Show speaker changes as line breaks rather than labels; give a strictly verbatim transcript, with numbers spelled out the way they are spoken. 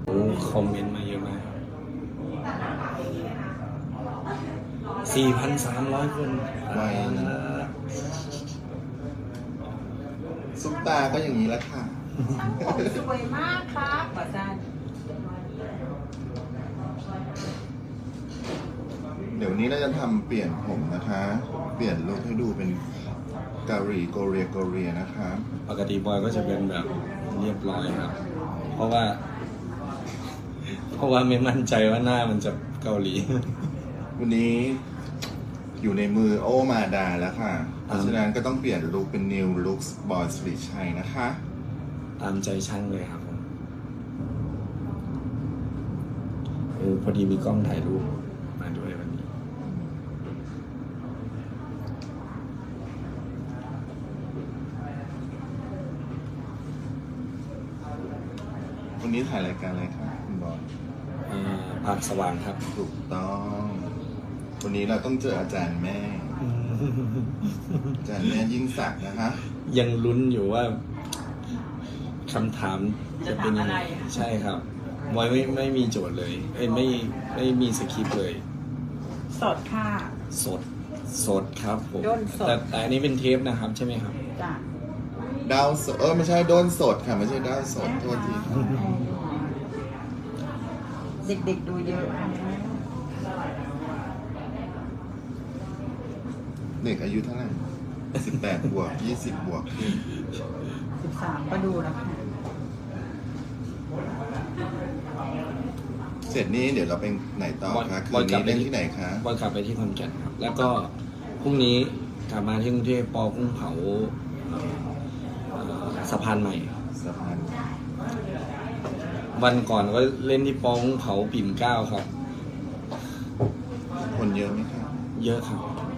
โอ้คอมเมนต์มาเยอะมากสี่พันสามร้อยคน
ไวนะ ซุปตาก็อย่างนี้แหละค่ะ
ช่างผมสวยมากครับอาจารย์
เดี๋ยวนี้เราจะทำเปลี่ยนผมนะคะ เปลี่ยนลุคให้ดูเป็นเกาหลีโกเรียโกเรียนะคะ
ปกติบอยก็จะเป็นแบบเรียบร้อยครับ เพราะว่า เพราะว่าไม่มั่นใจว่าหน้ามันจะเกาหลี
วันนี้อยู่ในมือโอมาดาแล้วค่ะ เพราะฉะนั้นก็ต้องเปลี่ยนลุคเป็น New Looks บอยสิริชัยนะคะ
ตามใจช่างเลยครับผมเออพอดีมีกล้องถ่ายรูปมาด้วยวันนี้
วันนี้ถ่ายรายการอะไรคะคุณบอย
เอ่อภาคสว่างครับ
ถูกต้อง วันนี้เราต้องเจออาจารย์แม่ อาจารย์แม่ยิ่งศักดิ์นะคะ
ยังลุ้นอยู่ว่าคำถามจะเป็นยังไงใช่ครับบอยไม่ไม่มีโจทย์เลยเอ้ยไม่ไม่มีสคริปต์เลย
สดค่ะ
สดสดครับผม
ด้นสด
แต่แต่อันนี้เป็นเทปนะครับใช่ไหมครับ
จ้ะ
ดาวสดเออไม่ใช่โดนสดค่ะ ไม่ใช่ดาวสดโทษทีค่ะ
เด็กๆดูเยอะ
เด็กอายุเท่าไหร่สิบแปดบวกยี่สิบบวกขึ้น
สิบสามก็ดูแล้วค่ะ
เสร็จนี้เดี๋ยวเราไปไหนต่อคะคืนนี้เล่นที่ไหนคะ
บอยกลับไปที่ขอนแก่นครับ แล้วก็พรุ่งนี้กลับมาที่กรุงเทพปอกุ้งเผาเอ่อเอ่อสะพานใหม่
สะพาน
วันก่อนก็เล่นที่ปอกุ้งเผาปิ่นเกล้าครับ
คนเยอะไหมคะ
เยอะครับ
อ